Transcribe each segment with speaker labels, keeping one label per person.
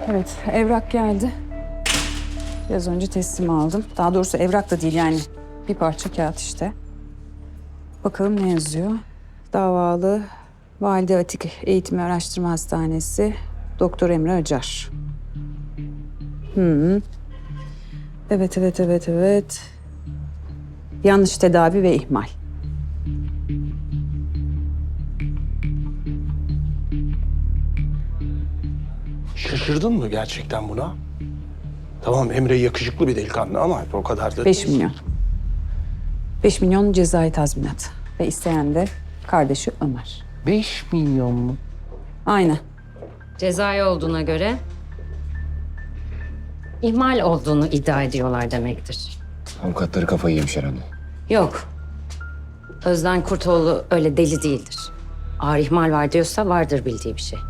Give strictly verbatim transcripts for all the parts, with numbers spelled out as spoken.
Speaker 1: Evet, evrak geldi. Biraz önce teslim aldım. Daha doğrusu evrak da değil yani. Bir parça kağıt işte. Bakalım ne yazıyor? Davalı Valide Atik Eğitim ve Araştırma Hastanesi Doktor Emre Acar. Hı. Evet, evet, evet, evet. Yanlış tedavi ve ihmal.
Speaker 2: Şaşırdın mı gerçekten buna? Tamam, Emre yakışıklı bir delikanlı ama o kadar da...
Speaker 1: Beş milyon. Beş milyon cezai tazminat. Ve isteyen de kardeşi Ömer.
Speaker 2: Beş milyon mu?
Speaker 1: Aynen.
Speaker 3: Cezai olduğuna göre ihmal olduğunu iddia ediyorlar demektir.
Speaker 4: Avukatları kafayı yemiş herhalde.
Speaker 3: Yok. Özden Kurtoğlu öyle deli değildir. Ağır ihmal var diyorsa vardır bildiği bir şey.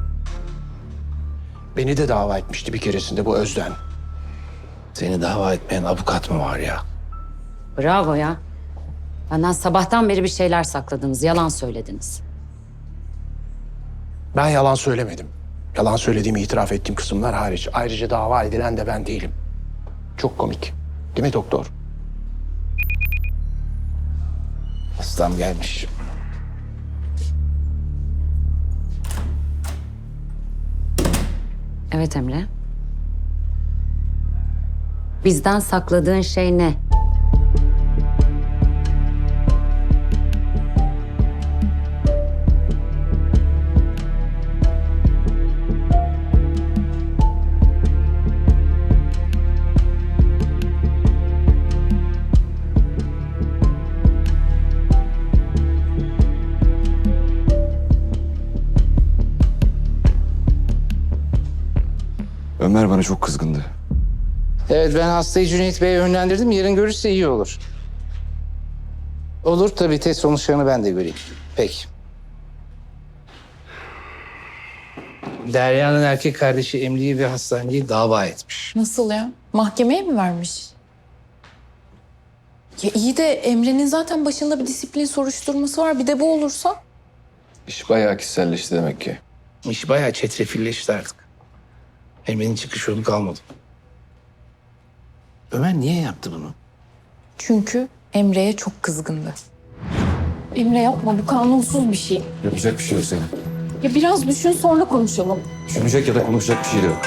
Speaker 2: Beni de dava etmişti bir keresinde bu Özden. Seni dava etmeyen avukat mı var ya?
Speaker 3: Bravo ya. Benden sabahtan beri bir şeyler sakladınız, yalan söylediniz.
Speaker 2: Ben yalan söylemedim. Yalan söylediğimi itiraf ettiğim kısımlar hariç. Ayrıca dava edilen de ben değilim. Çok komik. Değil mi doktor? Hastam gelmiş.
Speaker 3: Evet Emre. Bizden sakladığın şey ne?
Speaker 4: Ömer bana çok kızgındı.
Speaker 5: Evet, ben hastayı Cüneyt Bey'e yönlendirdim. Yarın görürse iyi olur. Olur tabii, test sonuçlarını ben de göreyim. Peki. Derya'nın erkek kardeşi Emre'yi ve hastaneyi dava etmiş.
Speaker 6: Nasıl ya? Mahkemeye mi vermiş? Ya iyi de Emre'nin zaten başında bir disiplin soruşturması var. Bir de bu olursa?
Speaker 4: İş bayağı kişiselleşti demek ki.
Speaker 5: İş bayağı çetrefilleşti artık. Emre'nin çıkış yolu kalmadı. Ömer niye yaptı bunu?
Speaker 6: Çünkü Emre'ye çok kızgındı. Emre yapma, bu kanunsuz bir şey.
Speaker 4: Yapacak bir şey yok senin.
Speaker 6: Ya biraz düşün, sonra konuşalım.
Speaker 4: Düşünecek ya da konuşacak bir şey de yok.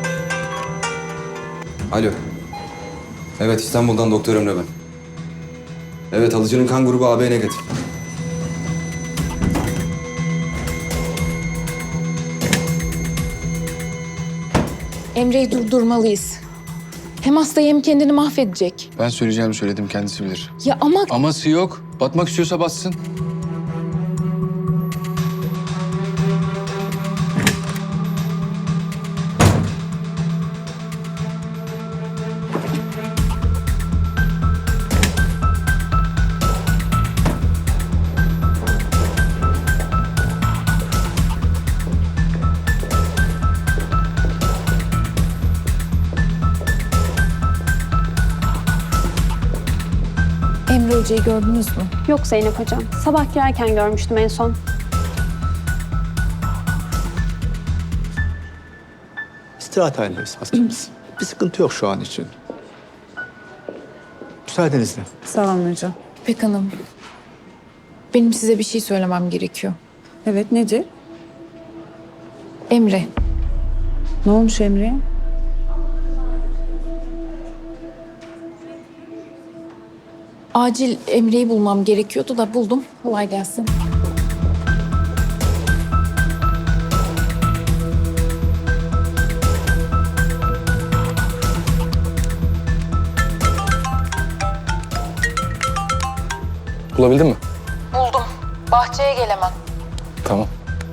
Speaker 4: Alo. Evet, İstanbul'dan Doktor Emre ben. Evet, alıcının kan grubu A B negatif.
Speaker 6: Emre'yi durdurmalıyız. Hem hastayı hem kendini mahvedecek.
Speaker 4: Ben söyleyeceğimi söyledim, kendisi bilir.
Speaker 6: Ya ama
Speaker 4: Aması yok. Batmak istiyorsa batsın.
Speaker 6: Emre Hoca'yı gördünüz mü?
Speaker 7: Yok Zeynep Hocam. Sabah girerken görmüştüm en son.
Speaker 8: İstirahat halindeyiz hastamız. Bir sıkıntı yok şu an için. Müsaadenizle.
Speaker 1: Sağ olun hocam.
Speaker 6: İpek Hanım, benim size bir şey söylemem gerekiyor.
Speaker 1: Evet, nedir?
Speaker 6: Emre,
Speaker 1: Ne olmuş Emre'ye?
Speaker 6: acil Emre'yi bulmam gerekiyordu da buldum. Kolay gelsin.
Speaker 4: Bulabildin mi?
Speaker 6: Buldum. Bahçeye gel hemen.
Speaker 4: Tamam.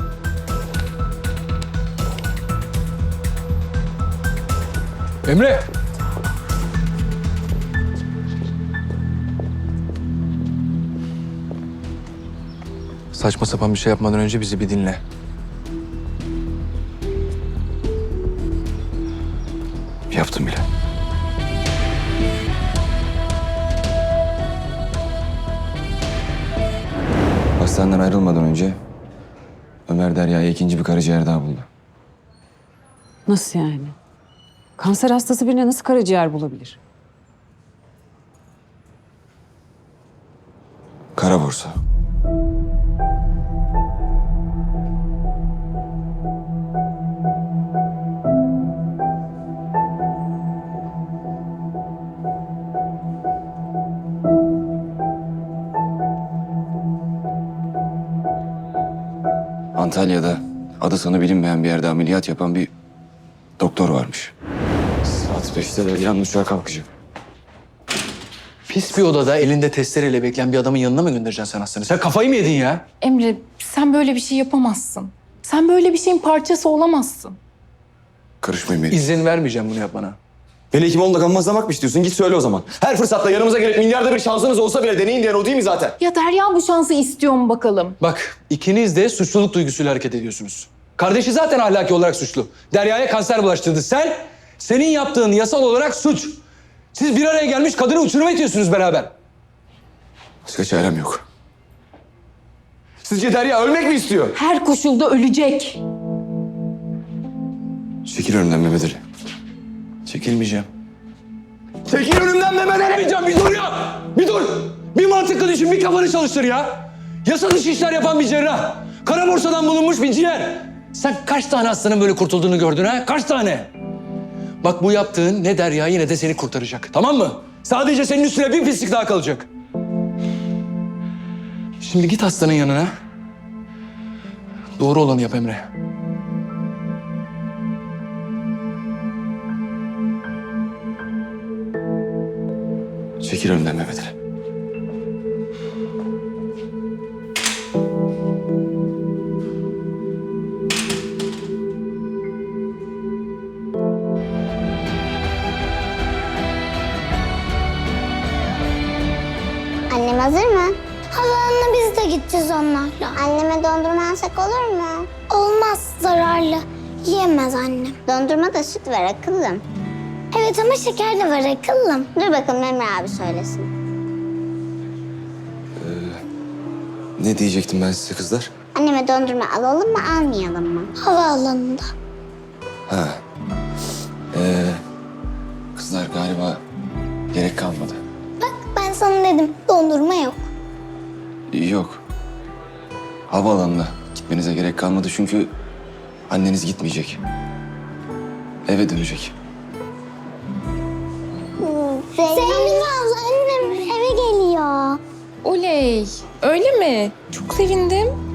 Speaker 4: Emre! Saçma sapan bir şey yapmadan önce bizi bir dinle. Yaptım bile. Hastaneden ayrılmadan önce Ömer Derya'ya ikinci bir karaciğer daha buldu.
Speaker 1: Nasıl yani? Kanser hastası birine nasıl karaciğer bulabilir?
Speaker 4: Kara borsa. Antalya'da adı sanı bilinmeyen bir yerde ameliyat yapan bir doktor varmış. Saat beşte de yan uçağa kalkacak.
Speaker 8: Pis bir odada elinde testereyle bekleyen bir adamın yanına mı göndereceksin sen hastanı? Sen kafayı mı yedin ya?
Speaker 6: Emre sen böyle bir şey yapamazsın. Sen böyle bir şeyin parçası olamazsın.
Speaker 4: Karışmayın benim.
Speaker 8: İzin vermeyeceğim bunu yapmana.
Speaker 4: Beni Hekimoğlu'nda gammazlamak mı istiyorsun? Git söyle o zaman. Her fırsatta yanımıza gelip milyarda bir şansınız olsa bile deneyin diyen o değil mi zaten?
Speaker 6: Ya Derya bu şansı istiyor mu bakalım?
Speaker 8: Bak ikiniz de suçluluk duygusuyla hareket ediyorsunuz. Kardeşi zaten ahlaki olarak suçlu. Derya'ya kanser bulaştırdı. Sen, senin yaptığın yasal olarak suç. Siz bir araya gelmiş kadını uçuruma itiyorsunuz beraber.
Speaker 4: Başka çarem yok. Sizce Derya ölmek mi istiyor?
Speaker 6: Her koşulda ölecek.
Speaker 4: Çekil önümden Mehmet Ali.
Speaker 8: Çekilmeyeceğim.
Speaker 4: Çekil önümden Mehmet Ali!
Speaker 8: Demeyeceğim, bir dur ya! Bir dur! Bir mantıklı düşün, bir kafanı çalıştır ya! Yasa dışı işler yapan bir cerrah. Kara borsadan bulunmuş bir ciğer. Sen kaç tane hastanın böyle kurtulduğunu gördün ha? Kaç tane? Bak bu yaptığın ne Derya'yı ne de seni kurtaracak. Tamam mı? Sadece senin üstüne bir pislik daha kalacak. Şimdi git hastanın yanına. Doğru olanı yap Emre.
Speaker 4: Çekil önümden Mehmet Ali.
Speaker 9: Annem hazır mı? Halanla biz de gideceğiz onlarla. Anneme dondurma alsak olur mu? Olmaz, zararlı. Yiyemez annem. Dondurma da süt var akıllım. Evet ama şeker de var akıllım. Dur bakalım Emre abi söylesin.
Speaker 4: Ne diyecektim ben size kızlar?
Speaker 9: Anneme dondurma alalım mı almayalım mı? Havaalanında.
Speaker 4: Ha. Ee, kızlar galiba gerek kalmadı.
Speaker 9: Bak ben sana dedim dondurma yok.
Speaker 4: Yok. Havaalanına gitmenize gerek kalmadı çünkü anneniz gitmeyecek. Eve dönecek.
Speaker 9: Zeynep abla annem eve geliyor.
Speaker 6: Oley. Öyle mi? Çok sevindim.